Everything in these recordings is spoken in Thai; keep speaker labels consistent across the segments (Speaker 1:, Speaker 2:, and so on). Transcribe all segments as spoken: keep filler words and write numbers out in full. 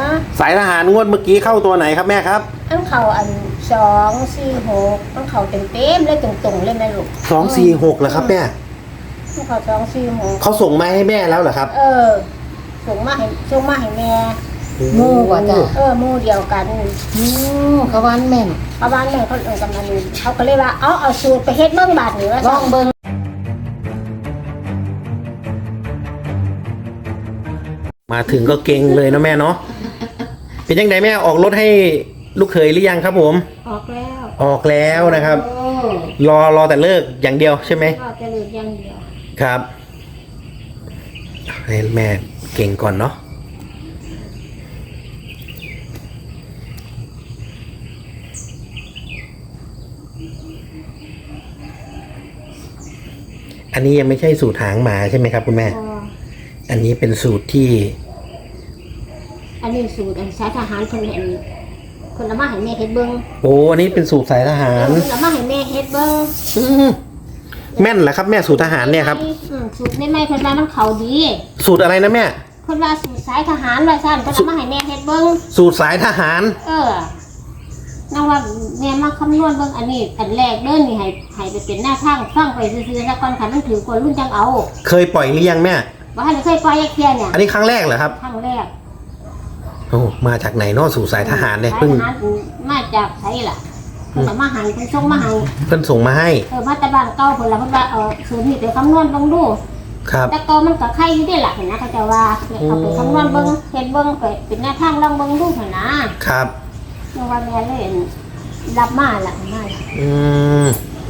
Speaker 1: สายทหารงวดเมื่อกี้เข้าตัวไหนครับแม่ครับ
Speaker 2: อันเขาอันสองสี่หกอันเขาเต็มเต็มเลยตรงๆเลยแม่ลูก
Speaker 1: สองสี่หกเหรอครับแม่
Speaker 2: อันเขาสองสี่หก
Speaker 1: เขาส่งมาให้แม่แล้วเหรอครับ
Speaker 2: เออส่งมาให้ส่งมาให้แม่
Speaker 3: หมู่ว่าจ้ะ
Speaker 2: เออหมู่เดียวกัน
Speaker 3: อือเขาวันแม่น
Speaker 2: เอาบ้านแม่เขาเออกำนันเขาก็เลยว่าเอาเอาสูตรไปเฮ็ดเบิ่งบาดนี่ว่า
Speaker 3: ลองเบิ่ง
Speaker 1: มาถึงก็เก่งเลยนะแม่เนาะเป็นยังไงแม่ออกรถให้ลูกเขยหรือยังครับผม
Speaker 2: ออกแล้ว
Speaker 1: ออกแล้วนะครับรอรอแต่เลิกอย่างเดียวใช่ไหม
Speaker 2: รอแต่เลิกอย่างเดียว
Speaker 1: ครับให้แม่เก่งก่อนเนาะอันนี้ยังไม่ใช่สูตรหางหมาใช่ไหมครับคุณแม่อันนี้เป็นสูตรที่
Speaker 2: อันนี้สูตรอันสายทหารคนเห็นคนละมาให้แม่เฮ็ดเบิ่ง
Speaker 1: โอ้อันนี้เป็นสูตรสายทหาร
Speaker 2: คนละมาให้แม่เฮ็ดเบิ่ง
Speaker 1: แม่นเหรอครับแม่สูตรทหารเนี่ยครับ
Speaker 2: สูตรใหม่ๆเพิ่นว่ามันเข้าดี
Speaker 1: สูตรอะไรนะแม่
Speaker 2: เพิ่นว่าสูตรสายทหารว่าซั่นเพิ่นละมาให้แม่เฮ็ดเบิ่ง
Speaker 1: สูตรสายทหาร
Speaker 2: เออนั่นว่าแม่มาคำนวณเบิ่งอันนี้อันแรกเด้อนี่ให้ให้ไปเป็นหน้าทางฟังไปซื่อๆแล้วก่อนคันมันถือคนรุ่นจังเอา
Speaker 1: เคยปล่อยหรือยังแม่
Speaker 2: บ่ทันเคยปล่อยแค่เนี่ย
Speaker 1: อันนี้ครั้งแรกเหรอครับ
Speaker 2: ครั้งแรก
Speaker 1: โอ้มาจากไหนเนาะสู่สายทหารเนี่ยเพิ่ง
Speaker 2: มาจากไสล่ะเพิ่นมาให้เพิ่นส่งมาให้
Speaker 1: เพิ่นส่งมาให้
Speaker 2: เออมาแต่บ้านเก่าเพิ่นล่ะเพิ่นว่าเออสูตรนี้ไปคำนวณเบิ่งดู
Speaker 1: ครับ
Speaker 2: แต่ก็มันก็ไข่อยู่ได้ล่ะเห็นนะเขาจะว่าเอาไปคำนวณเบิ่งเฮ็ดเบิ่งไปเป็นแนวทางลองเบิ่งดูหั่นนะครับเมื่อวันแม่เลยรับมาล่ะมา
Speaker 1: อืม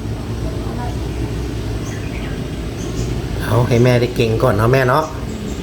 Speaker 1: เอาให้แม่ได้เก่งก่อนเนาะแม่เนาะ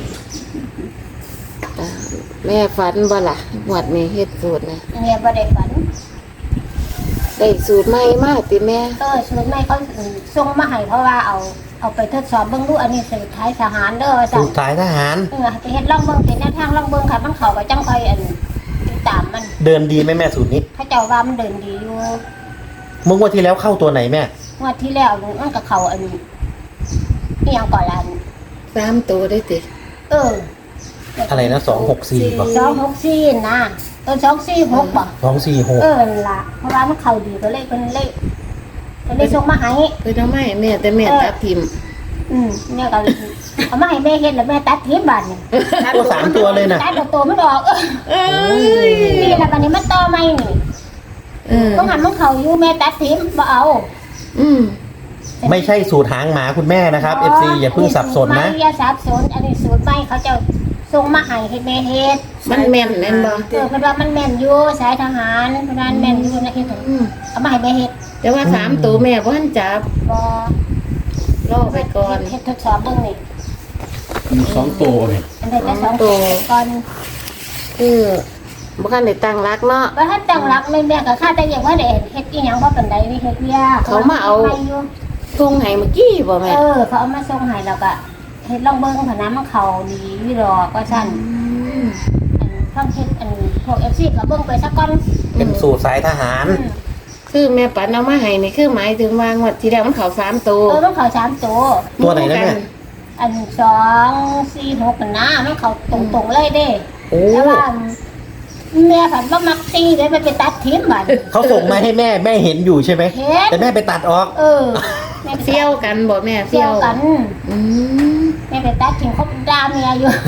Speaker 3: แม่ฝันบ่ล่ะหวดนี้เฮ็ดสูตรนะ
Speaker 2: แม่บ่ได้ฝัน
Speaker 3: ได้สูตรใหม่มาติแม่
Speaker 2: เออสูตรใหม่เขาส่งมาให้เพราะว่าเอาเอาไปทดสอบเบิ่งดูอันนี้สูตรท้ายทหารเด้อ
Speaker 1: สูตรท้ายทหาร
Speaker 2: เออไปเฮ็ดลองเบิ่งเป็นแนวทางลองเบิ่งค่ะมันเข้าก็จังค่อยอันติดตามมัน
Speaker 1: เดินดีไหมแม่สูตรนี้
Speaker 2: เขาเจ้าว่ามันเดินดีอยู่
Speaker 1: เมื่อวันที่แล้วเข้าตัวไหนแม่
Speaker 2: งวดที่แล้วมันก็เข้าอันนี้อีหยังก่อนล่ะ
Speaker 3: สามตัวได้ติ
Speaker 2: เออ
Speaker 1: อะไรนะสองหกสี่ป่ะ
Speaker 2: สองหกสี่นะเออสองสี่หกป่ะ
Speaker 1: สองสี่หก
Speaker 2: เออละเพราะว่ามันเข้าดีก็เลยเป็นเลขก็เลยส่งมาให้
Speaker 3: เพิ่นเอามาให้แม่แต่แม่ตัดทิ่ม
Speaker 2: อืมเนี่ยก็เอามาให้แม่เฮ็ดแล้วแม่ตัดทิ่มบาดนี่
Speaker 1: ตัวสามตัวเลยนะ
Speaker 2: ตัดตัวมันออกเออนี่แหละบัดนี้มันต่อใหม่นี่เออต้องหันมันเข้าอยู่แม่ตัดทิ่มบ่เอา
Speaker 3: อืม
Speaker 1: ไม่ใช่สูตรหางหมาคุณแม่นะครับ เอฟ ซี อย่าเพิ่งสับสนนะ
Speaker 2: อย่าสับสนอันนี้สูตรใหม่เขาจะส่งมาให้ให้แม่เฮ็ด
Speaker 3: มันแม่นแม่นบ่
Speaker 2: เออเพิ่นว่ามันแม่นอยู่สายทหารเพิ่นว่าแม่นอยู่นะเฮ็ดเอามาให้แม่เฮ็ด
Speaker 3: แต่ว่าสามตัวแม่บ่ทันจับ
Speaker 2: บ่
Speaker 3: รอไปก่อน
Speaker 2: เฮ็ดทดสอบเบิ่งนี่
Speaker 1: มีสองตัวนี่
Speaker 2: อันใดจะสองตัวก่อน
Speaker 3: คือบ่ทันได้ตั้งรักเนาะ
Speaker 2: บ่ทันตั้งรักแม่แม่ก็ค่าแต่ยังว่าได้เฮ็ดอีหยังบ่ปานใดนี่เฮ็ดเวีย
Speaker 3: เขามาเอาส่งให้เมื่อกี้บ่แม่
Speaker 2: เออเขาเอามาส่งให้แล้วก็เฮ็ดลองเบิ่งพะน้ำมันเข้าดีวิรอก็ซั่นอันฟังเฮ็ดอันพวก เอฟ ซี ก็เบิ่งไปซะก่อน
Speaker 1: เป็นสูตรสายทหาร
Speaker 3: คือแม่ปันเอามาให้นี่คือหมายถึงว่างวดที่แล้วมันเข้าสามตัว
Speaker 2: เออมันเข้าสามตัว
Speaker 1: ตัวไหนนะแม่
Speaker 2: อันสองสี่หกนั่นนะมันเข้าตรงๆเลยเด้แต่ว่าแม่ผันบ่มักตีเลยมันไปตัดทิ่มบัด
Speaker 1: เขาส่งมาให้แม่แม่เห็นอยู่ใช่ไหมแต่แม่ไปตัดออก
Speaker 2: เออ
Speaker 3: แม่เฟี้ยวกันบ่แม่
Speaker 2: เฟี้ยวกันอืมแม่ไปตัดทิ่มเขาด่าเมียอยู่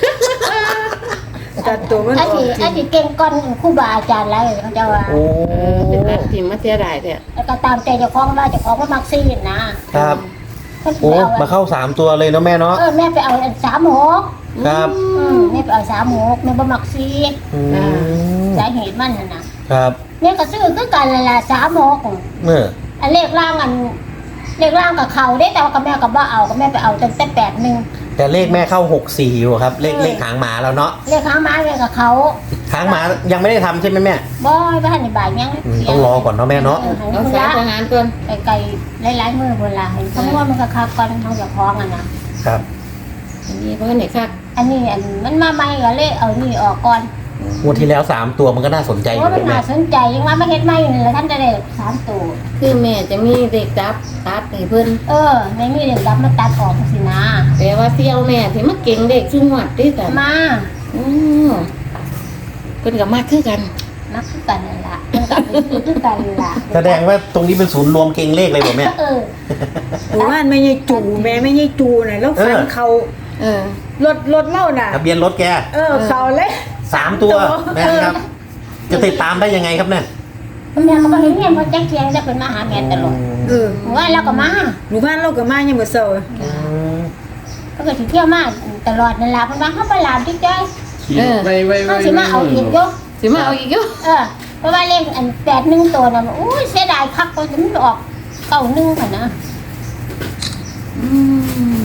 Speaker 2: ตัดตัวมันออกอันนี้อันนี้เก่งก่อนครูบาอาจารย์แล้วเขาจะว่า
Speaker 1: โอ้
Speaker 3: เป็นตัดทิ่มมาเสียดายแท้
Speaker 2: แล้วก็ตามใจเจ้าของว่าเจ้าของบ่มักซีนะครับ
Speaker 1: โอ้มาเข้าสามตัวเลยเนาะแม่เนาะ
Speaker 2: เออแม่ไปเอาอันสามหก
Speaker 1: ครับ
Speaker 2: อืมแม่ไปเอาสามหกแม่บ่มักซีอ่าสาเหตุมันน่ะนะครับแม่ก็ซื้อคือกันนั่นล่ะสามหกเอออันเลขล่างอันเลขล่างกับเขาได้แต่ว่ากับแม่กับบ่เอากับแม่ไปเอาตั้งแต่แปดหนึ่ง
Speaker 1: แต่เลขแม่เข้าหกสี่อยู่ครับเลขเลขหางหมาแล้วเนาะ
Speaker 2: เลขหางหมาเลขกับเขา
Speaker 1: หางหมายังไม่ได้ทำใช่ไหมแม่
Speaker 2: บ่บ่ทันได้บ่ายยัง
Speaker 1: ต้องรอก่อนเนาะแม่เนาะ
Speaker 3: เอาสายทหารก่อน
Speaker 2: ไกลๆหลายๆมื้อพุ่นล่ะให้คำนวณมันก็คักก่อนเฮาจะพ้องอ่ะนะครับ
Speaker 3: อันนี้เพิ่นนี่คัก
Speaker 2: อันนี้อันมันมาใหม่ก็เลยเอานี่ออกก่อน
Speaker 1: งวดที่แล้วสามตัวมันก็น่าสนใจอยู่
Speaker 2: มันน่าสนใจยังว่าไม่เฮ็ดใหม่นี่แล้วท่านจะได้สามตัว
Speaker 3: คือแม่จะมีเด็กจับตัดให้เพิ่น
Speaker 2: เออไม่มีเด็กจับมาตัดออกสินะ
Speaker 3: แต่ว่าเสี่ยวแม่ที่มาเก่งเด็กซุ่มวัดติแต่
Speaker 2: มา
Speaker 3: อือเพิ่นก็มากคือกัน
Speaker 2: นักคือกันนั่นล่ะเพิ่นก็ไปซื้อคือกันนั่นล่ะ
Speaker 1: แสดงว่าตรงนี้เป็นศูนย์รวมเก่งเลขเลยบ่แม่
Speaker 2: เออ
Speaker 4: หมู่บ้านไม่ใช่จูแม่ไม่ใช่จูน่ะแล้วฟัน
Speaker 1: เออ
Speaker 4: เขา
Speaker 3: เออ
Speaker 4: รถรถเล่าน่ะ
Speaker 1: ทะเบียนรถแก
Speaker 4: เออเขาเลย
Speaker 1: สามตัวแม่ครับ จะติดตามได้ยังไงครับเนี่ย
Speaker 2: แม่ก็บ่เห็นแม่บ่แจ้งเคียงจะเป็นมาหาแม่ตลอด
Speaker 4: เออ
Speaker 2: ว่าแล้วก็มา
Speaker 4: หมู่บ้านเราก็มายังบ่เซา
Speaker 1: อืม
Speaker 2: ก็ก็สิเที่ยวมาตลอดนั่นล่ะเพิ่นว่าเฮาบ่ลาดิจ้อย
Speaker 3: เออ
Speaker 5: ไว้ไว้
Speaker 2: เฮา
Speaker 5: ไว้
Speaker 2: สิมาเอาอีกอยู่
Speaker 3: สิมาเอาอีกอยู่
Speaker 2: เออเพราะว่าเลขอันแปดหนึ่งตัวน่ะอุ้ยเสียดายคักก็จะมันออกเก้าหนึ่งพุ่นนะ
Speaker 3: อืม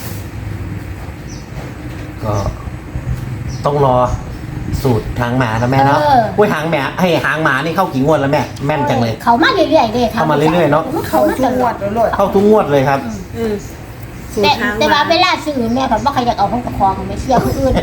Speaker 1: ก็ต้องรอสูตรหางหมานะแม่เนาะอุ้ยหางหมาให้หางหมานี่เข้ากี่งวดแล้วแม่แม่นจังเลย
Speaker 2: เขามาเรื่อยๆเด้
Speaker 1: เข้ามาเรื่อยๆเนาะ
Speaker 2: เขา
Speaker 4: เขา
Speaker 2: มา
Speaker 4: ทุ
Speaker 2: ต
Speaker 4: กง
Speaker 2: ล
Speaker 4: ว
Speaker 2: อ
Speaker 4: ด
Speaker 2: ด
Speaker 4: แล้วรถ
Speaker 1: เข้าทุกงวดเลยครับ
Speaker 4: อืมสูต
Speaker 2: แต่
Speaker 4: รทาง
Speaker 2: แต่ว่า
Speaker 4: มา
Speaker 2: เวลาซื้อแม่ก็บ่ใครอยากเอาของกระคองไม่เชื่อผู้อื่น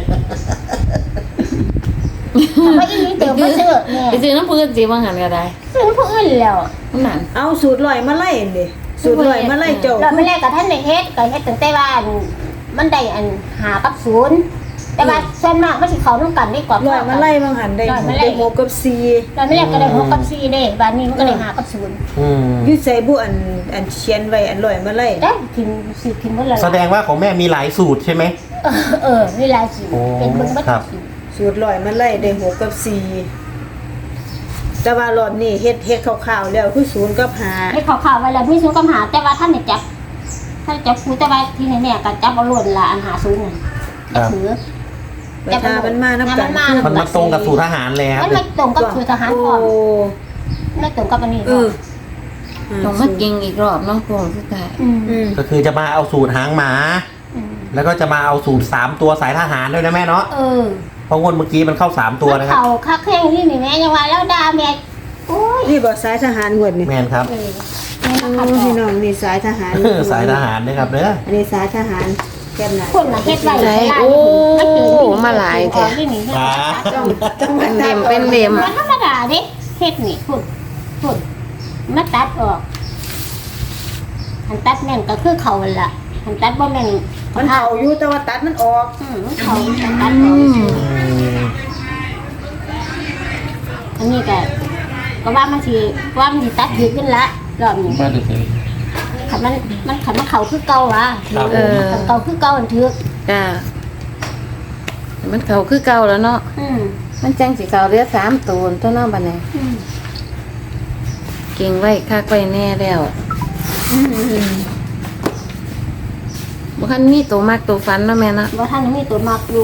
Speaker 2: ทำไมอีนี่เดี๋ยวมาซื้อแม่
Speaker 3: ไปซื้อน้ำเพื่อนสิว่าหันก็ได้
Speaker 2: ซื้อผู้อื่นแล้ว
Speaker 3: นั่น
Speaker 4: เอาสูตรลอยมาไล่ดิสูตรลอยมาไล่เจ้า
Speaker 2: เราไม่แรกกับท่านในเฮ็ดก็เฮ็ดตั้งแต่ว่ามันได้อันหากับศูนย์แต่ว่าส่วนมากมันสิเข้านำกันดีกว่า
Speaker 4: ลอยมาไล่บางหันได้
Speaker 2: ลอยมาไล่
Speaker 4: ได้หกกับสี่
Speaker 2: เราไม่แรกก็ได้หกกับสี่เด้บาดนี้มันก็ได้หากับศูนย์
Speaker 1: อืม
Speaker 4: อยุใส่บุอันอันเขียนไว้อันลอยมาไล่
Speaker 2: ได้กินสิกินหมดแล้ว
Speaker 1: แสดงว่าของแม่มีหลายสูตรใช่ไหม
Speaker 2: เออเออนี่หลายสิ
Speaker 1: โอ้
Speaker 2: เป็นเบิ่งบัด
Speaker 1: ครับ
Speaker 2: สิ
Speaker 4: สูตรลอยมาไล่ได้หกกับสี่แต่ว่ารอบนี้เฮ็ดเฮ็ดคร่าวๆแล้วคือศูนย์กับห้า
Speaker 2: ให้ข่าวๆไว้แล้วมีศูนย์กับหาแต่ว่าท่านเนี่ยจับท่านจับคูแต่ว่าที่แน่ๆก็จับเอาล้วนละอันหาศูนย์นั่น
Speaker 1: ครับ
Speaker 2: ถือ
Speaker 4: แต่ถ้ามันมานํกัน
Speaker 2: มันมา
Speaker 1: มันมาตรงกับสูตรทหารเลยครับ
Speaker 2: มันไม่ตรงกับคือทหารก่อน
Speaker 4: โอ้
Speaker 2: ไม่ตรงกับอันนี้
Speaker 4: เออ
Speaker 3: ต้องมากิงอีกรอบเนาะพวงสุดท้าย
Speaker 2: อืม
Speaker 4: อืม
Speaker 1: ก็คือจะมาเอาสูตรหางหมา
Speaker 2: อืม
Speaker 1: แล้วก็จะมาเอาสูตรสามตัวสายทหารด้วยนะแม่เนาะ
Speaker 2: เออ
Speaker 1: เพราะงวดเมื่อกี้มันเข้าสามตัวนะครับ
Speaker 2: เขาคักแข้งนี่นี่แม่ยังว่าแล้วด่าแม่โอ้ย
Speaker 4: นี่บ่สายทหารหวดนี่
Speaker 1: แมนครับ
Speaker 2: เออแม่
Speaker 4: โอ้
Speaker 2: มาขัดอ
Speaker 4: พี่
Speaker 2: อก
Speaker 4: น้องนี่สายทหาร
Speaker 1: สายทหารนะครับเด้อ
Speaker 4: อันนี้สายทหารแก้มหน้า
Speaker 2: คนมาเฮ็ดไว้
Speaker 3: ใช่
Speaker 2: ได้
Speaker 3: โอ้
Speaker 2: ไม่เกินนี่
Speaker 3: มาหลายแท้
Speaker 2: นี่นี่
Speaker 1: อ่า
Speaker 4: ต้องต้องมา
Speaker 3: เป็น
Speaker 4: ตัด
Speaker 3: เดมเป็นเดม
Speaker 2: มันธรรมดาเด้เฮ็ดนี่คุณคุณมาตัดออกหันตัดแม่นก็คือเขาหั่นล่ะหันตัดบ่แม่น
Speaker 4: มันเผาอยู่แต่ว่าตัดมันออก
Speaker 2: อืมมันเขาหันตัดออก
Speaker 3: อืม
Speaker 2: อันนี้ก็ก็ว่ามันสิว่ามันสิตัดถึกขึ้นละรอบนี้
Speaker 5: มาดูสิ
Speaker 2: คันมันมันคันมันเขาคือเก่าว่ะ
Speaker 1: ครับ
Speaker 3: เออ
Speaker 2: คันเก่าคือเก่าอันถึก
Speaker 3: จ้ามันเขาคือเก่าแล้วเนาะ
Speaker 2: อืม
Speaker 3: มันจังสิเขาเหลือสามตัวตัวเน้องบัดนี้
Speaker 2: อืม
Speaker 3: เก่งไว้คักไว้แน่แล้ว
Speaker 2: อืม
Speaker 3: บ่คันมีตัวมากตัวฟันเนาะแม่เนาะ
Speaker 2: บ่ทันมีตัวมักอยู่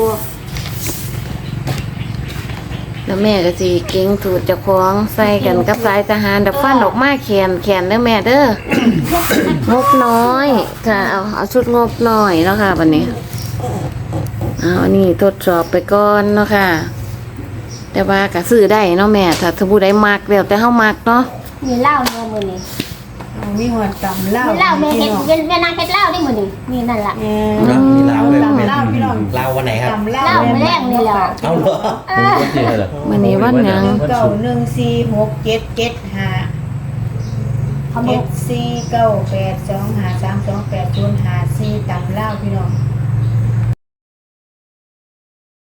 Speaker 3: แล้วแม่ก็สิเก่งสูตรเจ้าของใส่กันกับสายทหารดับฟันออกมาแขนแขนเด้อแม่เด้องบน้อยค่ะเอาเอาชุดงบน้อยเนาะค่ะบัดนี้เอาอันนี้ทดสอบไปก่อนเนาะค่ะ แต่ว่าก็ซื้อได้เนาะแม่ถ้าสมมุติได้มักแล้วแต่เฮามักเนาะ
Speaker 2: มีเหล้าแม่มื้อนี้
Speaker 4: เอามีหัวตำเหล้า
Speaker 2: มีเหล้าแม่เฮ็ด
Speaker 4: พี่น้อง
Speaker 2: แม่นางเฮ็ดเหล้าได้มื้อนี้นี่นั่นล่ะ
Speaker 4: เอ
Speaker 1: เนอะมีเหล้าด้วย
Speaker 4: ตำเหล้าพี่น้อง
Speaker 1: ลาววันไหนครับ
Speaker 4: ตำเหล้า
Speaker 2: เหล้ามื้อแรกนี่แหละ
Speaker 1: เอาเหรอ
Speaker 2: เออ
Speaker 5: วันที่เท่าไหร่
Speaker 3: มื้อนี้วันหยัง
Speaker 4: เก้าหนึ่งสี่หกเจ็ดเจ็ดห้า
Speaker 2: เขาบอ
Speaker 4: เจ็
Speaker 2: ก
Speaker 4: ดสี่เก้าแปดสองห้าสามสองแปดศูนย์ห้าสี่ตำเหล้าพี่น้อง